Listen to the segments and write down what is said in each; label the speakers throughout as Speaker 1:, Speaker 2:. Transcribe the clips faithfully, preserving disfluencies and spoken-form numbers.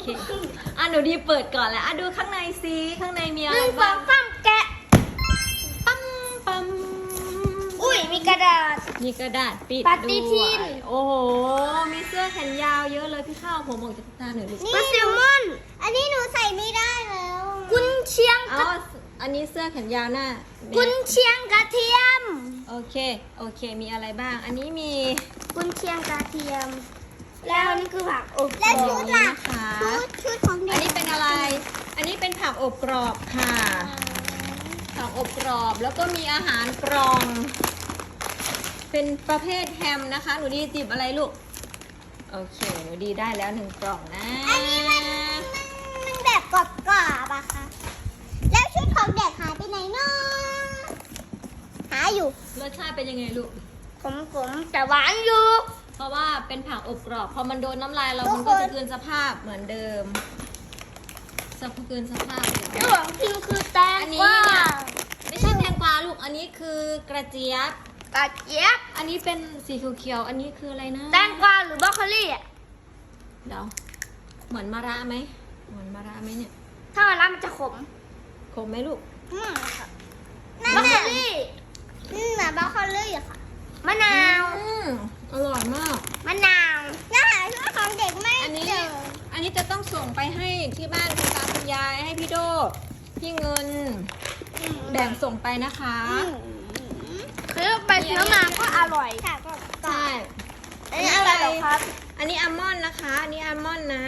Speaker 1: เคอ่ะหนูดีเปิดก่อนแล้วอ่ะดูข้างในซิข้างในมีอะไร
Speaker 2: หนึ่งส
Speaker 1: บ้า
Speaker 2: อง งสามแกะ
Speaker 1: ปั๊มปั๊ม
Speaker 2: อุ้ยมีกระดาษ
Speaker 1: มีกระดาษปิด
Speaker 2: ปฏิทิน
Speaker 1: ด้วยโอ้โหมีเสื้อแขนยาวเยอะเลยพี่ข้าวผมออกจากตาหน่อยลูก
Speaker 2: ปลาแซลมอน อันนี้หนูใส่ไม่ได้แล้วกุนเชียง
Speaker 1: อ๋ออันนี้เสื้อแขนยาวหน้า
Speaker 2: กุนเชียงกระเทียม
Speaker 1: โอเคโอเคมีอะไรบ้าง อันนี้มี
Speaker 2: กุนเชียงกระเทียม แล้วนี่คือผักอบ
Speaker 1: และชุดล่ะนะคะ
Speaker 2: ชุดของเด็ก
Speaker 1: อันนี้เป็นอะไร อันนี้เป็นผักอบกรอบค่ะ ผักอบกรอบแล้วก็มีอาหารกรอง เป็นประเภทแฮมนะคะ หนูดีจิบอะไรลูก โอเค หนูดีได้แล้วหนึ่งกล่องนะ
Speaker 2: อันนี้มันมันแบบกรอบๆอะค่ะ แล้วชุดของเด็กหายไปไหนเนาะหาอยู่
Speaker 1: รสชาติเป็นยังไงลูก
Speaker 2: ผมผมแต่หวานอยู่
Speaker 1: เพราะว่าเป็นผักอบกรอบ พอมันโดนน้ำลายเรา
Speaker 2: ทุกคน
Speaker 1: มันก็จะคืนสภาพเหมือนเดิมสภาพคืนสภาพเหมือนเดิ
Speaker 2: ระ
Speaker 1: ม
Speaker 2: หว่างกินคือแตง
Speaker 1: อัน
Speaker 2: ก
Speaker 1: นี้
Speaker 2: วา
Speaker 1: เนี่ย ไม่ใช่แตงกวาลูก อันนี้คือกระเจี๊ยบ
Speaker 2: กระเจี๊ยบ
Speaker 1: อันนี้เป็นสีเขียวๆอันนี้คืออะไรนะ
Speaker 2: แตงกวาหรือบรอกโคลี่อะ
Speaker 1: เดี๋ยวเหมือนมะระไหมเหมือนมะระไหมเนี่ย
Speaker 2: ถ้ามันรับมันจะขม
Speaker 1: คมไหมลูก
Speaker 2: อืมค่ะบรอกโคลี่อืมบรอกโคลี่ค่ะมะนาว
Speaker 1: อืมอร่อยมาก
Speaker 2: มะนาวแล้วหาชุดของเด็กไม่
Speaker 1: อันนี้
Speaker 2: เจอ
Speaker 1: อันนี้จะต้องส่งไปให้ที่บ้านคุณตาคุณยายให้พี่โดพี่เงิน แบ่งส่งไปนะคะ
Speaker 2: ซื้อไปซื้อมาก็อร่อยค่ะก็
Speaker 1: ใช่
Speaker 2: อันนี้อะไรเหรอครับ
Speaker 1: อันนี้อัลมอนด์นะคะ อันนี้อัลมอนด์นะ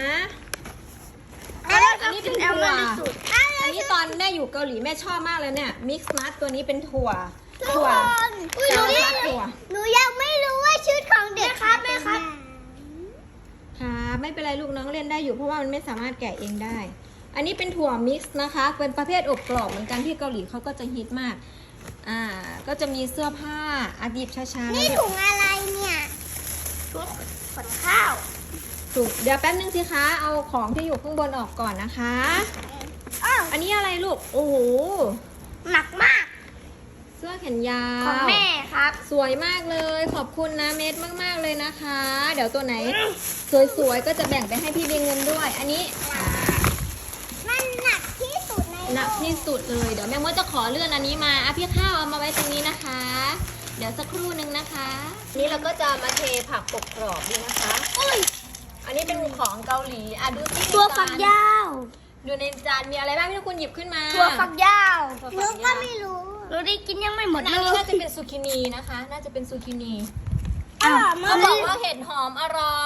Speaker 2: อันนี้เป็นแอลมอนด์ที่สุด
Speaker 1: อันนี้ตอนแม่อยู่เกาหลีแม่ชอบมากเลยเนี่ย มิกซ์นัทตัวนี้เป็นถั่ว
Speaker 2: ทุก
Speaker 1: ถั่ว
Speaker 2: คนอุ้ยหนู
Speaker 1: ถั่ว
Speaker 2: ยัง
Speaker 1: ถั่ว
Speaker 2: หนูยังไม่รู้ว่าชุดของเด็กครับแม่ครับ
Speaker 1: ค่ะไม่เป็นไรลูกน้องเล่นได้อยู่เพราะว่ามันไม่สามารถแกะเองได้ อันนี้เป็นถั่วมิกซ์นะคะ เป็นประเภทอบกรอบเหมือนกันที่เกาหลีเขาก็จะฮิตมาก อ่า ก็จะมีเสื้อผ้าอาดิบช้าๆ
Speaker 2: นี่
Speaker 1: นะ
Speaker 2: ถุงอะไรเนี่ยถุงขนข้าว
Speaker 1: ถูกเดี๋ยวแป๊บนึงสิคะ เอาของที่อยู่ข้างบนออกก่อนนะคะ
Speaker 2: อ้าว
Speaker 1: อันนี้อะไรลูก โอ้โห
Speaker 2: หนักมาก
Speaker 1: เสื้อแขนยาว
Speaker 2: ของแม่ครับ
Speaker 1: สวยมากเลย ขอบคุณนะเมดมากๆเลยนะคะ เดี๋ยวตัวไหน สวยๆ ก็จะแบ่งไปให้พี่เบงเงินด้วย อันนี้อ่า
Speaker 2: มันหนักที่สุดใน
Speaker 1: หนักที่สุดเลย เดี๋ยวแม่มดจะขอเลื่อนอันนี้มาอ่ะพี่ข้าวเอามาไว้ตรงนี้นะคะ เดี๋ยวสักครู่หนึ่งนะคะนี่เราก็จะมาเทผักปกกรอบดีนะคะ
Speaker 2: อุ้ย
Speaker 1: อันนี้เป็นของเกาหลีอ่ะดูที่
Speaker 2: ตัวฝักยาว
Speaker 1: ดูในจานมีอะไรบ้างพี่ทุกคนหยิบขึ้นมา
Speaker 2: ตัวฝักยาว
Speaker 1: ถั่ว
Speaker 2: หนู
Speaker 1: ฝัก
Speaker 2: ก็
Speaker 1: ยาว
Speaker 2: ไม่รู้หนูได้กินยังไม่หมด
Speaker 1: อัน
Speaker 2: เล
Speaker 1: นี้
Speaker 2: ย
Speaker 1: น่าจะเป็นซูกินีนะคะ น่าจะเป็นซูกินี
Speaker 2: อร่อยมา
Speaker 1: เขา
Speaker 2: ก
Speaker 1: บอกว่าเห็ดหอมอร่อย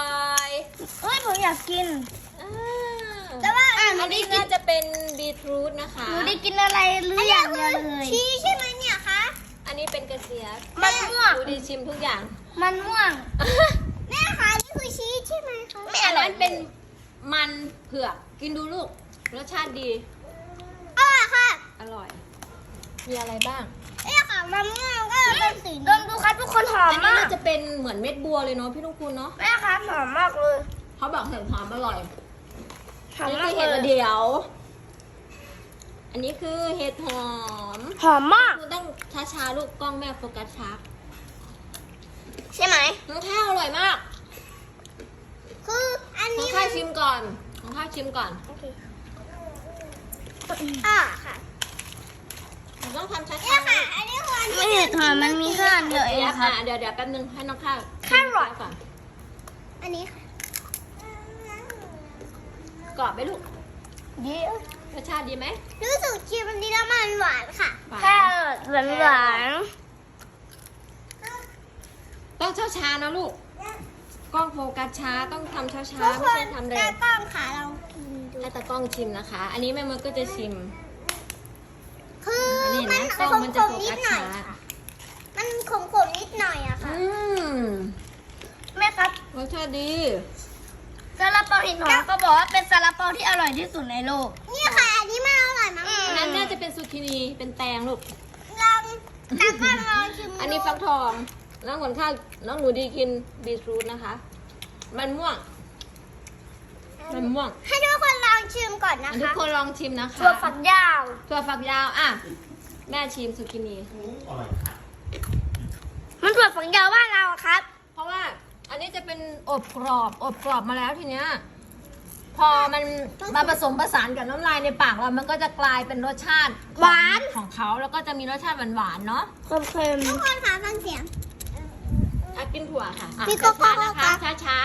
Speaker 2: เฮ้ยผมอยากกิน
Speaker 1: อ่า
Speaker 2: แต่ว่า
Speaker 1: อันนี้น่าจะเป็นบีทรูทนะคะ
Speaker 2: หนูได้กินอะไรหรืออย่างเดียวเลยชีใช่ไหมเนี่ยคะ
Speaker 1: อันนี้เป็นกระเจี๊ยบ
Speaker 2: มันม่วง
Speaker 1: ดูดีชิมทุกอย่าง
Speaker 2: มันม่วง แม่คะนี่คือชีสใช่ไหมคะ
Speaker 1: อันนั้นเป็นมันเผือกกินดูลูกรสชาติดี
Speaker 2: อร่อยค่ะ
Speaker 1: อร่อย มีอะไรบ้าง
Speaker 2: เนี่ยค่ะมันม่วงก็เป็นสีดมดูครับทุกคนหอม
Speaker 1: อันนี้
Speaker 2: มาก
Speaker 1: น่าจะเป็นเหมือนเม็ดบัวเลยเนาะพี่ลุงคุณเนาะ
Speaker 2: แม่ครับหอมมากเลย
Speaker 1: เขาบอกเห็ดหอมอร่อย
Speaker 2: หอม
Speaker 1: นี่
Speaker 2: มา
Speaker 1: คื
Speaker 2: ก
Speaker 1: อ
Speaker 2: เล
Speaker 1: เห็ด
Speaker 2: ย
Speaker 1: เดียว อันนี้คือเห็ดหอม
Speaker 2: หอมมาก
Speaker 1: คุณต้องช้าๆลูกกล้องแม่โฟกัสช้า
Speaker 2: ใช่ไหม
Speaker 1: น้องข้าวอร่อยมาก
Speaker 2: คืออัน
Speaker 1: น้อ
Speaker 2: นี้
Speaker 1: งข้าวชิมก่อนน้องข้าวชิมก่อน
Speaker 2: อ่าค่ะ
Speaker 1: หนูต้องทำช้าๆ
Speaker 2: เนี่ยค่ะ อันนี้คืออันที่ไม่เห็ดหอมมันมีแค่อันเดียวเอง
Speaker 1: เดี๋ยว
Speaker 2: ค่ะ
Speaker 1: อ่ะเดี๋ยวเดี๋ยวแป๊บนึงให้น้องข้าว
Speaker 2: แครอท
Speaker 1: ก่อน
Speaker 2: อันนี้ค่ะ
Speaker 1: กรอบไหมลูก
Speaker 2: เดี๋ยว
Speaker 1: รสชาติดีไหม
Speaker 2: รู้สึกชิมอันนี้แล้วมันหวานค่ะ
Speaker 1: หวาน
Speaker 2: แค่หวานหวาน
Speaker 1: ต้องช้าๆนะลูก กล้องโฟกัสช้าต้องทำช้า
Speaker 2: ทุก
Speaker 1: ๆ ไม่
Speaker 2: คน
Speaker 1: ใช่ทำเร็
Speaker 2: ตาว กล้องค่ะเรากินดู
Speaker 1: ให้ตากล้องชิมนะคะ อันนี้แม่มดก็จะชิม
Speaker 2: คือ
Speaker 1: อันนี้
Speaker 2: มั
Speaker 1: นะ
Speaker 2: น
Speaker 1: กล้อง
Speaker 2: ขม
Speaker 1: มัน
Speaker 2: ข
Speaker 1: จะ
Speaker 2: ม
Speaker 1: โฟ
Speaker 2: นิ
Speaker 1: กั
Speaker 2: ด
Speaker 1: ส
Speaker 2: หน่อย
Speaker 1: ช้า
Speaker 2: ค่ะ มันขมขมนิดหน่อยอะค่ะ
Speaker 1: อืม
Speaker 2: แม่ครับ
Speaker 1: รสชาติดี
Speaker 2: ซาลาเปาหินหอมก็บอกว่าเป็นซาลาเปาที่อร่อยที่สุดในโลก นี่ค่ะ อันนี้มันอร่อยมาก
Speaker 1: อันนั้นน่าจะเป็นซูกินี เป็นแตงลูก
Speaker 2: ลองตากล้องลองชิมดู
Speaker 1: อันนี้ฟักทอง น้องขนข้าวน้องหนูดีกินบีทรูทนะคะ มันม่วง มันม่วง
Speaker 2: ให้ทุกคนลองชิมก่อนนะ
Speaker 1: ทุก
Speaker 2: คะ
Speaker 1: คนลองชิมนะคะ
Speaker 2: ตัวฝักยาว
Speaker 1: ถั่วฝักยาวอ่ะ แม่ชิมซูกินี
Speaker 2: มันถั่วฝักยาวบ้านเราอะครับ
Speaker 1: เพราะว่าอันนี้จะเป็นอบกรอบ อบกรอบมาแล้วทีเนี้ย พพอมันมาผสมผสานกับน้ำลายในปากเรามันก็จะกลายเป็นรสชาติ
Speaker 2: หวาน
Speaker 1: ของเขาแล้วก็จะมีรสชาติหวานๆเนาะ
Speaker 2: เค็มๆทุกคนคะฟังเสียง
Speaker 1: อ่ะกินถั่วค่ะอ่ะ
Speaker 2: พี่โก้โก้
Speaker 1: ช้าๆนะคะ
Speaker 2: ครับ
Speaker 1: ช้า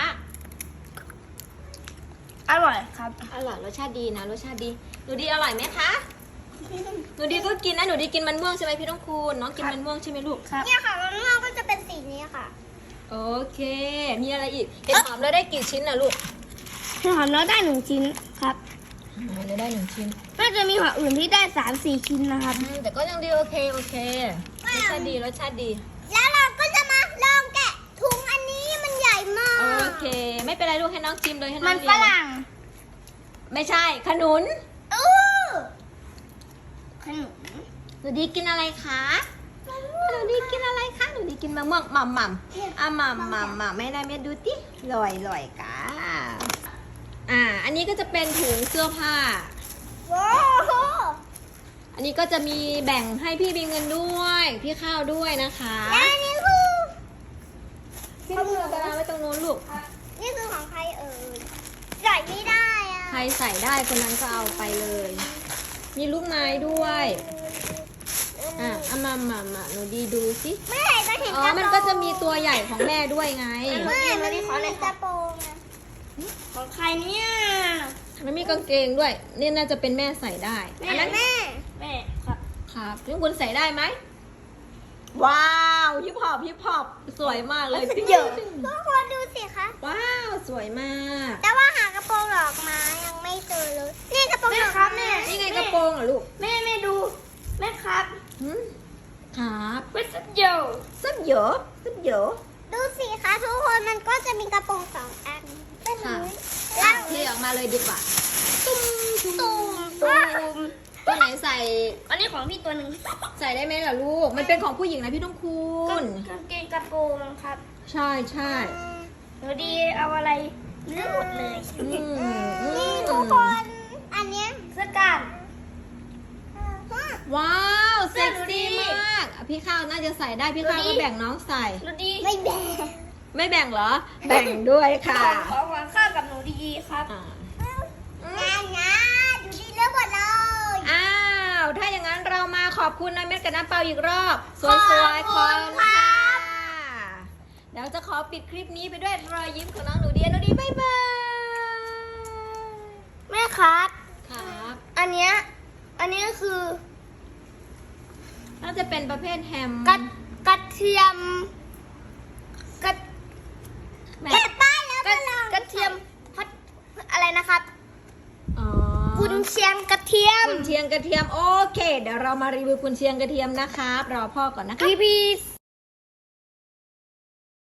Speaker 2: อร่อยครับ
Speaker 1: ๆอร่อยรสชาติดีนะรสชาติดีหนูดีอร่อยไหมคะหนูดีก็กินนะหนูดีกินมันม่วงใช่ไหมพี่ต้องคูณน้องกินมันม่วงใช่ไหมลูก
Speaker 2: เนี่ยค่ะมันม่วงก็จะเป็นสีนี้ค่ะ
Speaker 1: โอเค มีอะไรอีกเห็ดหอมเราได้กี่ชิ้นนะลูก
Speaker 2: เห็ดหอมเราได้หนึ่งชิ้นครับ
Speaker 1: เราได้หนึ่งชิ้น
Speaker 2: น่าจะมีหัวอื่นที่ได้สามสี่ชิ้นนะครับ
Speaker 1: อืมแต่ก็ยังดีโอเคโอเครสชาติดีรสชาติดี
Speaker 2: แล้วเราก็จะมาลองแกะถุงอันนี้มันใหญ่มาก
Speaker 1: โอเค ไม่เป็นไรลูกให้น้องชิมเลยให้น้อง
Speaker 2: มัน
Speaker 1: เรี
Speaker 2: ฝ
Speaker 1: ยน
Speaker 2: รั่ง
Speaker 1: ไม่ใช่ขนุน
Speaker 2: อู้ขนม
Speaker 1: หนูดีกินอะไรคะหนูดีกินอะไรคะหนูดีกินมะม่วงหม่ำหม่ำอ่ะหม่ำหม่ำหม่ำไม่ได้เม็ดดูติลอยลอยกาอ่า อันนี้ก็จะเป็นถุงเสื้อผ้า
Speaker 2: ว้าว
Speaker 1: อันนี้ก็จะมีแบ่งให้พี่บีเงินด้วย พี่ข้าวด้วยนะคะ
Speaker 2: และอันนี้คือ
Speaker 1: พี่บีเอาไปวางไว้ตรงนู้นลูก
Speaker 2: นี่คือของใครเอ่ยใส่ไม่ได้อะ
Speaker 1: ใครใส่ได้คนนั้นก็เอาไปเลย มีลูกไม้ด้วย อ่ะเอามามามาหนูดีดูสิ
Speaker 2: เมื่อไหร่จะเห็น
Speaker 1: อ๋อ มันก็จะมีตัวใหญ่ของแม่ด้วยไง
Speaker 2: เมื่อไหร่มันมีกระโปรงอะของใครเนี่ย
Speaker 1: มันมีกางเกงด้วย นี่น่าจะเป็นแม่ใส่ได้ อันนั้น
Speaker 2: แม่แม่ครับ
Speaker 1: ครับนี่คุณใส่ได้ไหม ว้าวฮิปฮอปฮิปฮอปสวยมากเลย
Speaker 2: เยอะทุกคนดูสิคะ
Speaker 1: ว้าวสวยมาก
Speaker 2: แต่ว่าหากระโปรงดอกไม้ยังไม่เจอเลย นี่กระโปรงดอกไม้
Speaker 1: นี่ไงกระโปรงเหรอลูก
Speaker 2: แม่แม่ดู แม่ครับ
Speaker 1: หืมครับ
Speaker 2: เป็นสุดโย
Speaker 1: สับเยอะสับเยอะ
Speaker 2: ดูสิคะทุกคนมันก็จะมีกระโปรงสองอันเป็น
Speaker 1: ค่ะ
Speaker 2: แล้
Speaker 1: อ่ะ
Speaker 2: ว
Speaker 1: เทออกมาเลยดีกว่า ตุ้มตุ้ม
Speaker 2: ตุ่ม
Speaker 1: ตุ้มตัวไหนใส่
Speaker 2: อันนี้ของพี่ตัวหนึ่ง
Speaker 1: ใส่ได้ไหมล่ะลูก มันเป็นของผู้หญิงนะพี่ต้องคูณ
Speaker 2: กางเกงกระโปรงครับ
Speaker 1: ใช่ใช่
Speaker 2: หนูดีเอาอะไรเลือกหมดเลย
Speaker 1: อืมอืม
Speaker 2: นี่ทุกคน อันเนี้ยเสื้อกล้าม
Speaker 1: ว้าวเซ็ก
Speaker 2: ดูดิ
Speaker 1: ซี่มากอ่ะพี่ข้าวน่าจะใส่ได้พี่ข้าว
Speaker 2: ดูดิ
Speaker 1: ก็แบ่งน้องใส่
Speaker 2: หนูดีไม่แบ่ง
Speaker 1: ไม่แบ่งเหรอ แบ่งด้วยค่ะ
Speaker 2: ขอหวานข้าวกับหนูดีครับ
Speaker 1: อ่า
Speaker 2: งานนะดูดีเลือกหมดเลย
Speaker 1: อ้าว ถ้าอย่างนั้นเรามาขอบคุณนายเม็ดกับน้ำเปล่าอีกรอบสวยๆ
Speaker 2: ขอบคุณค่ะ
Speaker 1: เดี๋ยวจะขอปิดคลิปนี้ไปด้วยรอยยิ้มของน้องหนูดีหนูดีบ๊ายบาย
Speaker 2: แม่ครับ
Speaker 1: ครับ
Speaker 2: อันเนี้ย อันนี้ก็คือ
Speaker 1: น่าจะเป็นประเภทแฮม
Speaker 2: กระกระเทียมกระ
Speaker 1: แม่
Speaker 2: เห็ดป้ายแล้วกระกระเทียมพัดอะไรนะครับ
Speaker 1: อ๋อ
Speaker 2: กุนเชียงกระเทียม
Speaker 1: กุนเชียงกระเทียมโอเค เดี๋ยวเรามารีวิวกุนเชียงกระเทียมนะครับรอพ่อก่อนนะคะ
Speaker 2: พีพี